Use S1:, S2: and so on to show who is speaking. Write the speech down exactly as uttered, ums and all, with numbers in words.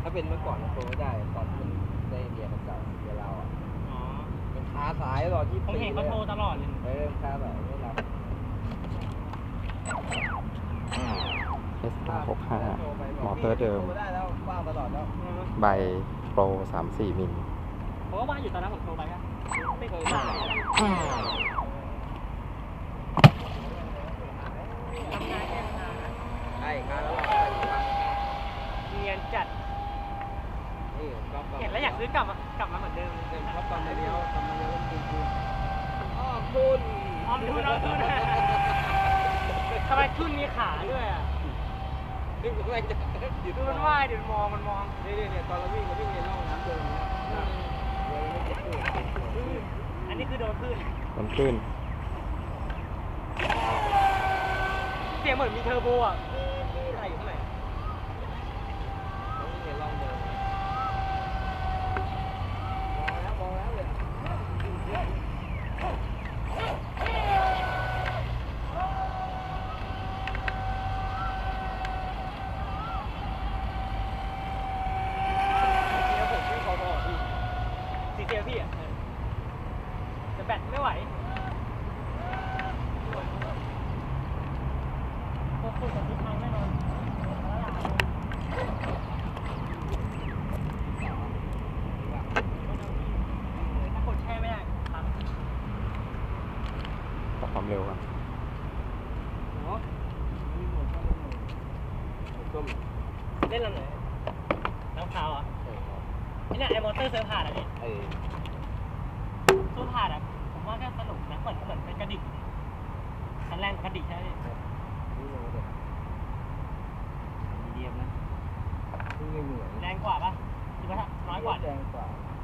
S1: ถ้าเป็นเมื่อก่อนมันโตไม่ได้ตอนที่ได้เรียนเก่าเรียนเราอ่ะอ๋อมันคาสายตลอดที่ผมเห็นเขาโทรตลอดเลยเออคาสายไม่รับ
S2: เอส อาร์ หกสิบห้า มอเตอร์เดิมใบโปรสามสี่มิล
S1: เพราะว่าบ้านอยู่ตอนนั้นผมโทรไปครับไม่เคยใช่การแล้วเนียนจัดเห็นแล้วอยากซื้อกลับมากลับมาเหมือนเดิมเลยเพราะตอนนี้เขาทำมาเยอะจริงๆอ้อมทุนอ้อมทุนอ้อมทุนทำไมทุนมีขาด้วยอ่ะนี่มันว่ายจะดูมันว่ายเดี๋ยวมองมันมองนี่เนี่ยตอนเราวิ่งเราวิ่งในร่องน้ำเดินอันนี้คือโดนคลื่น
S2: โดนคลื่น
S1: เสียงเหมือนมีเทอร์โบอ่ะอะไรอยู่ข้างในวิ่งในร่องเดินมองแล้วมองแล้วเลยสีเซลพี่อ่ะแต่แบตไม่ไหวพวกคุณกับทิศทางแน่นอนถ้ากดแช่ไม่ได้ครับ
S2: ปรับความเร็วครับ
S1: เล่นลำไหนน้ำขาวอ่ะนี่เนี่ยไอมอเตอร์เซอร์พาดอ่ะพี่ตัวพาดอ่ะผมว่าก็สนุกนะเหมือนเหมือนเป็นกระดิ่งคันแรงกระดิ่งใช่ไหมพี่มีเดียมนะแรงกว่าปะหรือว่าน้อยกว่าแรงกว่า